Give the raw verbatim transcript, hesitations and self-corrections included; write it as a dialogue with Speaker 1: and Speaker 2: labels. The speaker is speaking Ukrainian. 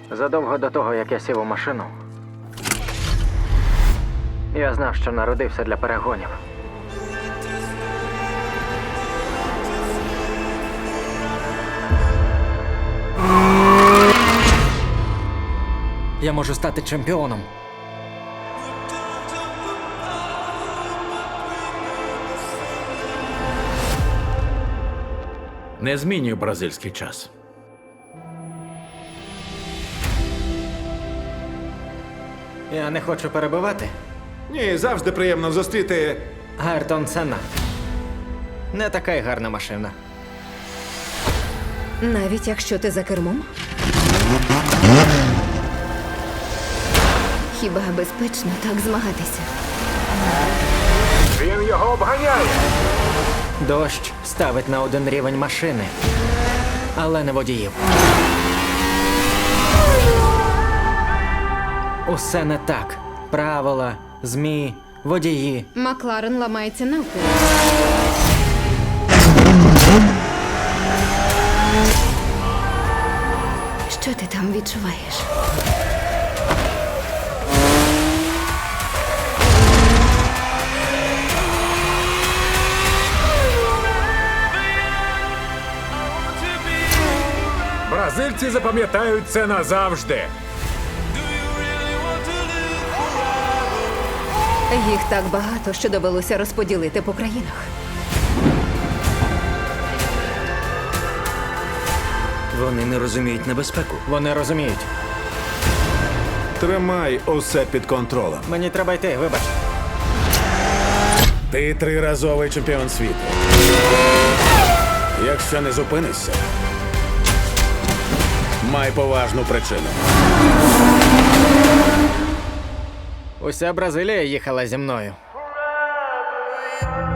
Speaker 1: Задовго до того, як я сів у машину, я знав, що народився для перегонів. Я можу стати чемпіоном.
Speaker 2: Не змінюй бразильський час.
Speaker 1: Я не хочу перебивати.
Speaker 3: Ні, завжди приємно зустріти.
Speaker 1: Айртон Сенна. Не така й гарна машина.
Speaker 4: Навіть якщо ти за кермом? Хіба безпечно так змагатися?
Speaker 3: Він його обганяє.
Speaker 1: Дощ ставить на один рівень машини, але не водіїв. Усе не так. Правила, ЗМІ, водії.
Speaker 4: Макларен ламається навпіл. Що ти там відчуваєш?
Speaker 3: Бразильці запам'ятають це назавжди.
Speaker 4: Їх так багато, що довелося розподілити по країнах.
Speaker 2: Вони не розуміють небезпеку.
Speaker 1: Вони розуміють.
Speaker 3: Тримай усе під контролем.
Speaker 1: Мені треба йти, вибач.
Speaker 3: Ти триразовий чемпіон світу. Якщо не зупинишся, май поважну причину.
Speaker 1: Уся Бразилія їхала зі мною.